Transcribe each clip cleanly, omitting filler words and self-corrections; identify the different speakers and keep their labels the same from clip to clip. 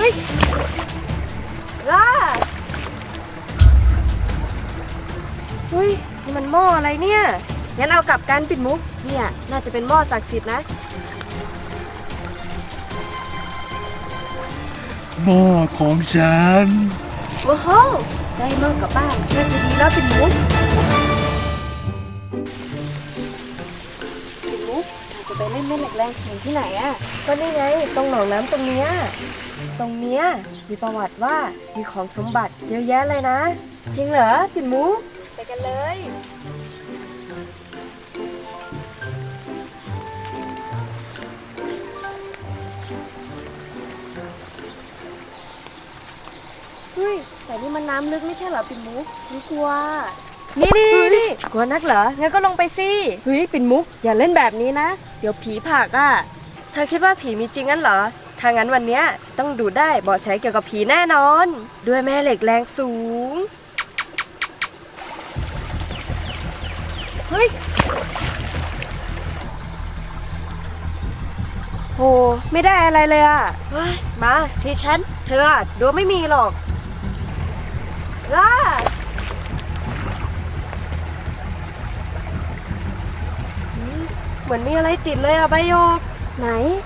Speaker 1: ยล่าเฮ้ยนี่มันหม้ออะไรเนี่ยงั้นเอากลับกันปิดมุกเนี่ยน่าจะเป็นหม้อศักดิ์สิทธิ์นะ
Speaker 2: หม้อของฉัน
Speaker 1: โอ้โหได้หม้อกลับบ้านน่าจะดีแล้วปิดมุกจะไปเล่นแม่เหล็กแรงสูงที่ไหนอะก็นี่ไงตรงหนองน้ำตรงเนี้ยมีประวัติว่ามีของสมบัติเยอะแยะเลยนะจริงเหรอปิ่นมุกไปกันเลยเฮ้ยแต่นี่มันน้ำลึกไม่ใช่เหรอปิ่นมุกฉันกลัวนี่กลัวนักเหรองั้นก็ลงไปสิเฮ้ยปิ่นมุกอย่าเล่นแบบนี้นะเดี๋ยวผีผลักอ่ะเธอคิดว่าผีมีจริงงั้นเหรอถ้างั้นวันนี้จะต้องดูได้เบาะแสเกี่ยวกับผีแน่นอนด้วยแม่เหล็กแรงสูงเฮ้ยโหไม่ได้อะไรเลยอ่ะเฮ้ยมาที่ฉันเธอดูไม่มีหรอกล่าเหมือนมีอะไรติดเลยอะใบโยกไหน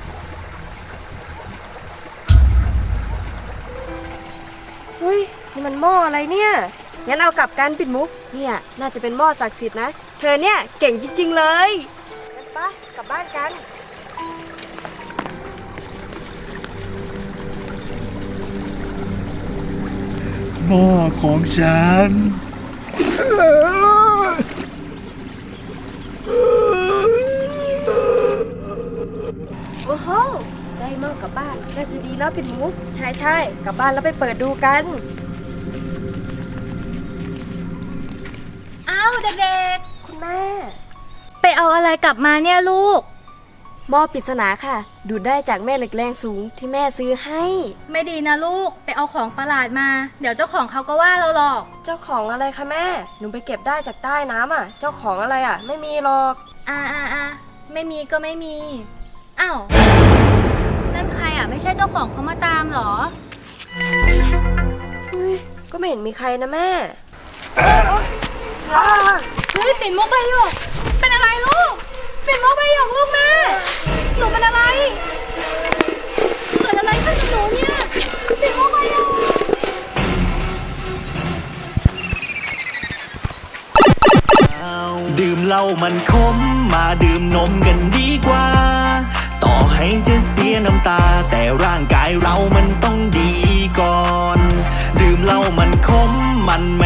Speaker 1: เฮ้ยนี่มันหม้ออะไรเนี่ยงั้นเอากลับกันปิดมุกเนี่ยน่าจะเป็นหม้อศักดิ์สิทธิ์นะเธอเนี่ยเก่งจริงๆเลยงั้นปะกลับบ้านกัน
Speaker 2: หม้อของฉัน
Speaker 1: โอ้โหได้หม้อกลับบ้านน่าจะดีแล้วปิดมุกใช่กลับบ้านแล้วไปเปิดดูกัน
Speaker 3: อ้าวเด็ก
Speaker 1: คุณแม่
Speaker 3: ๆไปเอาอะไรกลับมาเนี่ยลูก
Speaker 1: หม้อปริศนาค่ะดูดได้จากแม่เหล็กแรงสูงที่แม่ซื้อให้
Speaker 3: ไม่ดีนะลูกไปเอาของประหลาดมาเดี๋ยวเจ้าของเขาก็ว่าเราหรอก
Speaker 1: เจ้าของอะไรคะแม่หนูไปเก็บได้จากใต้น้ำอ่ะเจ้าของอะไรอ่ะไม่มีหรอก
Speaker 3: ไม่มีก็ไม่มีอ้าวนั่นใครอ่ะไม่ใช่เจ้าของเขามาตามหรอ
Speaker 1: ก็ไม่เห็นมีใครนะแม่
Speaker 3: เฮ้ยปิ่นมุกใบหยกเป็นอะไรลูกปิ่นมุกใบหยกลูกแม่หนูเป็นอะไรเกิดอะไรขึ้นกับหนูเนี่ยปิ่นมุกใบหยก
Speaker 4: ดื่มเหล้ามันขมมาดื่มนมกันดีกว่าต่อให้จะเสียน้ำตาแต่ร่างกายเรามันต้องดีก่อนดื่มเหล้ามันขมมันไ